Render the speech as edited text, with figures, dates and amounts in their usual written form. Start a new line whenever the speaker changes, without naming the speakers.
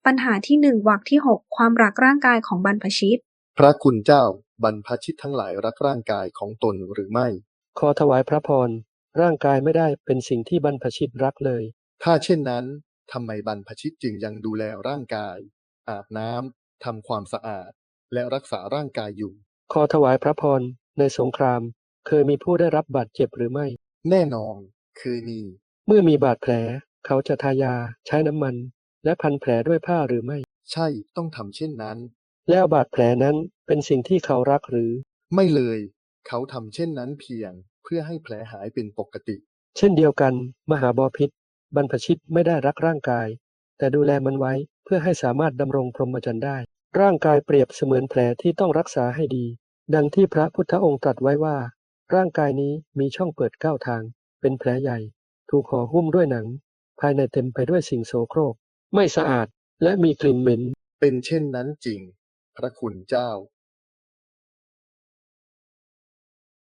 ปัญหาที่หนึ่งวรรคที่6ความรักร่างกายของบรรพชิต
พระคุณเจ้าบรรพชิตทั้งหลายรักร่างกายของตนหรือไม่
ขอถวายพระพรร่างกายไม่ได้เป็นสิ่งที่บรรพชิตรักเลย
ถ้าเช่นนั้นทำไมบรรพชิตจึงยังดูแลร่างกายอาบน้ำทำความสะอาดและรักษาร่างกายอยู่
ขอถวายพระพรในสงครามเคยมีผู้ได้รับบาดเจ็บหรือไม่
แน่นอนคือมี
เมื่อมีบาดแผลเขาจะทายาใช้น้ำมันและพันแผลด้วยผ้าหรือไม่
ใช่ต้องทำเช่นนั้น
แล้วบาดแผลนั้นเป็นสิ่งที่เขารักหรือ
ไม่เลยเขาทำเช่นนั้นเพียงเพื่อให้แผลหายเป็นปกติ
เช่นเดียวกันมหาบพิตรบรรพชิตไม่ได้รักร่างกายแต่ดูแลมันไว้เพื่อให้สามารถดำรงพรหมจรรย์ได้ร่างกายเปรียบเสมือนแผลที่ต้องรักษาให้ดีดังที่พระพุทธองค์ตรัสไว้ว่าร่างกายนี้มีช่องเปิด9ทางเป็นแผลใหญ่ถูกห่อหุ้มด้วยหนังภายในเต็มไปด้วยสิ่งโสโครกไม่สะอาดและมีกลิ่นเหม็น
เป็นเช่นนั้นจริงพระคุณเจ้า